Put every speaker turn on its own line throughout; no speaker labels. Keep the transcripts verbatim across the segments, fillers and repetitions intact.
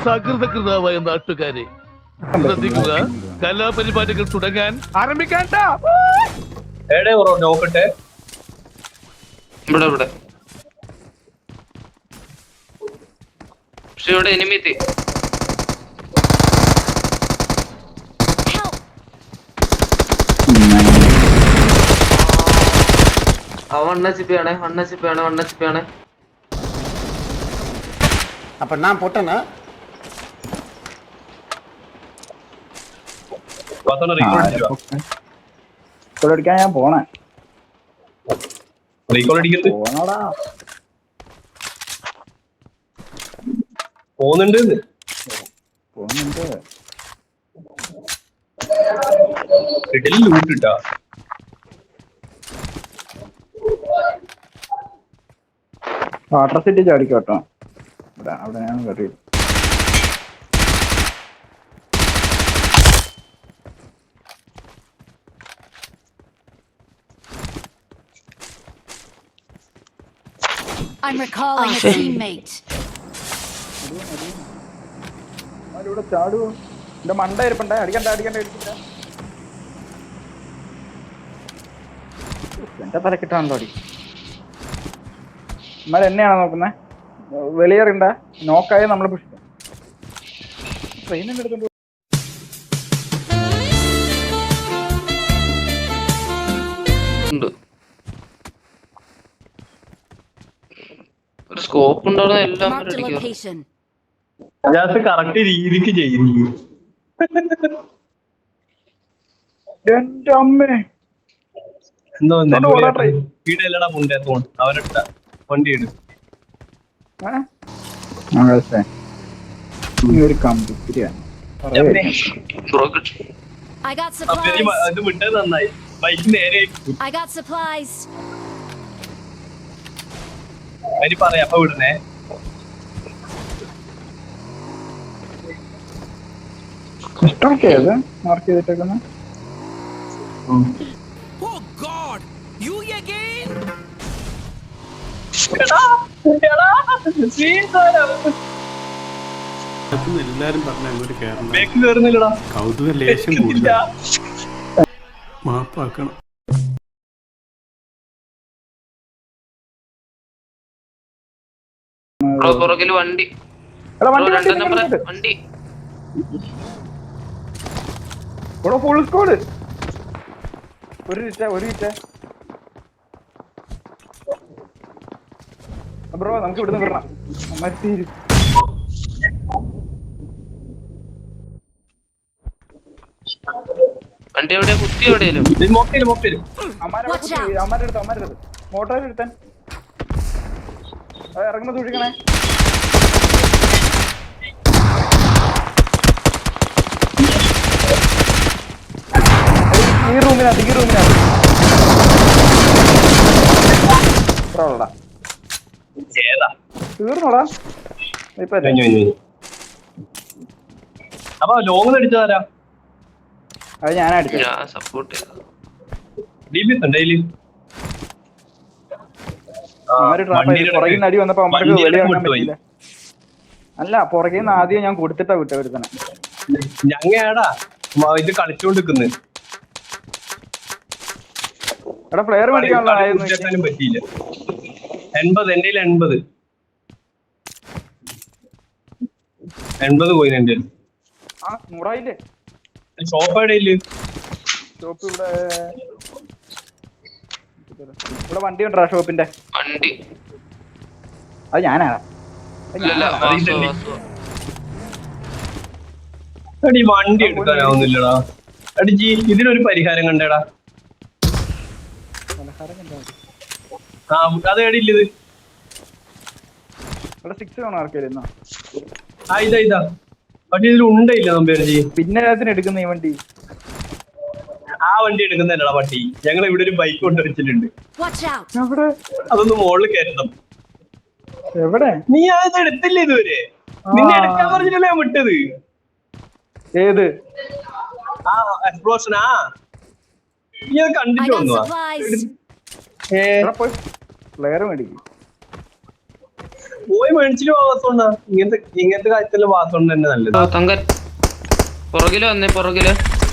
സകൃതകൃതാവായ നാട്ടുകാരെ ശ്രദ്ധിക്കുക, കലാപരിപാടികൾ തുടങ്ങാൻ ആരംഭിക്കാൻ.
നോക്കട്ടെ
ഇവിടെ ഇവിടെ പക്ഷെ ഇവിടെ എനിമി എത്തി. வண்ணச்சிப்பியானே வண்ணச்சிப்பியானே வண்ணச்சிப்பியானே
அப்ப நான் போட்டேனா
അടിക്കാൻ ഞാൻ പോണേ
പോണടാ പോന്നുണ്ട്
പോന്നുണ്ട്
ലൂട്ടിട്ടാ
വാട്ടർ സിറ്റി ചാടിക്കോട്ടോ. ഇവിടെ അവിടെ ഞാൻ കയറി.
I'm recalling a teammate.
ഇവിടെ ചാടുവോ? എന്റെ മണ്ട ഇരിപ്പണ്ടേ. അടിക്കണ്ട അടിക്കണ്ട അടിക്കണ്ട. എന്റെ തലക്കിട്ടാണല്ലോ അടി. എന്നാലും എന്നെയാണോ നോക്കുന്നേ? വെളിയേറിണ്ട നോക്കായി നമ്മളെ പുഷിക്കും. ട്രെയിനിന്റെ അടുത്തുണ്ട്.
ഒരു സ്കോപ്പ് ഉണ്ടാവുന്ന എല്ലാം
കറക്റ്റ് രീതിക്ക് ചെയ്യുന്നു.
എന്റെ അമ്മേ
എന്തോ വീടല്ലടാ മുണ്ടേ തോൺ അവരട്ട വണ്ടി ഇടും.
ഒരു കമ്പിത്തിരിയാണ്.
അത് വിട്ടത് നന്നായി. ബൈക്ക് നേരെ അരി പറയാ അപ്പൊ വിടണേ.
മാർക്ക് ചെയ്തിട്ടേക്കുന്ന
എല്ലാരും പറഞ്ഞ അങ്ങോട്ട് കേറണം.
കേറുന്നില്ലടാ.
കൗതുക ലേശം കൂടുതൽ മാപ്പാക്കണം.
പുറകില് വണ്ടി വണ്ടി
ഫുൾ സ്കോഡ്. ഒരു ഇറ്റ ഒരു ഇറ്റ ബ്രോ നമുക്ക് ഇവിടുന്ന് വിടണം. തീരും
വണ്ടി എവിടെ കുത്തി എവിടെയല്ലോ
അമ്മാരുടെ അടുത്ത് അമ്മാരുടെ അടുത്ത് മോട്ടോർ എടുത്താൻ ഇറങ്ങുമ്പോ സൂക്ഷിക്കണേ. ഈ റൂമിനകത്ത് ഈ റൂമിനകത്ത് തീർന്നോടാ. ഇപ്പൊ
അപ്പൊ ലോങ് അടിച്ചതാരാ?
അത് ഞാൻ അടിച്ചു.
സപ്പോർട്ട്
പുറകിന്ന് അടി വന്നപ്പോ അമ്മക്ക് വെളിയിറങ്ങാൻ പറ്റില്ല. അല്ല പുറകിന്ന് ആദ്യം ഞാൻ കൊടുത്തിട്ടാ വിട്ട ഒരുത്തനെ.
ഞങ്ങടാ ഇത് കളിച്ചോണ്ടിരിക്കുന്നത്.
എടാ പ്ലെയർ മേടിക്കാനുള്ള
പറ്റിയില്ല. എൺപത് എന്റെ എൺപത് എൺപത് പോയി എന്റെ
നൂറായില്ലേ?
ഷോപ്പ് എവിടെയില്ലേ?
ഷോപ്പ് ഇവിടെ ഇവിടെ വണ്ടി ഉണ്ടോ ഷോപ്പിന്റെ?
വണ്ടി
അത് ഞാനാണ്.
അടി വണ്ടി എടുക്കാനാവുന്നില്ലടാ. അടിജി ഇതിനൊരു പരിഹാരം കണ്ടേടാ. ആ അത് എടിയില്ലത്. ആ ഇതാ ഇതാ പക്ഷെ ഇതിൽ ഉണ്ടയില്ല നമ്പേർജി.
പിന്നെ എടുക്കുന്ന ഈ വണ്ടി
ആ വണ്ടി എടുക്കുന്നതല്ലടാ പട്ടി. ഞങ്ങൾ ഇവിടെ ഒരു ബൈക്ക് കൊണ്ടുവച്ചിട്ടുണ്ട്. അതൊന്ന് മുകളിൽ കയറ്റണം.
എവിടെ?
നീ അത് എടുത്തില്ല ഇതുവരെ. നിന്നെ എടുക്കാൻ പറഞ്ഞിട്ടല്ലേ ഞാൻ വിട്ടത്.
ഏത്
ആ എക്സ്പ്ലോഷൻ? ആ നീ അത് കണ്ടിട്ട് വന്നു.
പ്ലെയർ മേടിക്കും.
പോയി മേടിച്ചിട്ട് വാസോണ്ട ഇങ്ങനത്തെ ഇങ്ങനത്തെ കാര്യത്തില് വാസോണ്ട് തന്നെ നല്ലത്.
തങ്കൻ പുറകില് വന്നേ പുറകില്.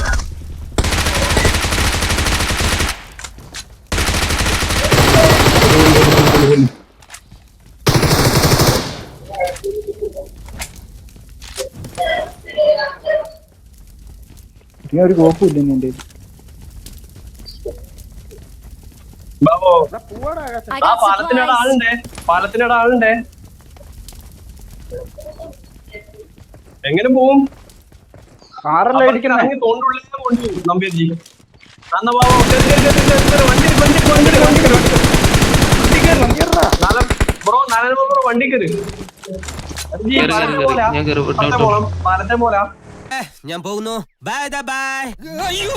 ഒരു കോപ്പില്ല നിന്റെ
ബാബോ ആ പാലത്തിനോട് ആളുണ്ടേ പാലത്തിനോട് ആളുണ്ടേ എങ്ങനെ പോവും?
കാറല്ലേ ഇരിക്കുന്നേ?
തോണ്ടുള്ളിൽ കൊണ്ടു നമ്പ്യാജി. എന്നാ ബാബോ വണ്ടി വണ്ടി വണ്ടി വണ്ടി ബ്രോ നാരായണ ബ്രോ വണ്ടി കയറി
ഞാൻ കേറി
പാലത്തെ പോലാ
ഞാൻ പോകുന്നു. Bye by.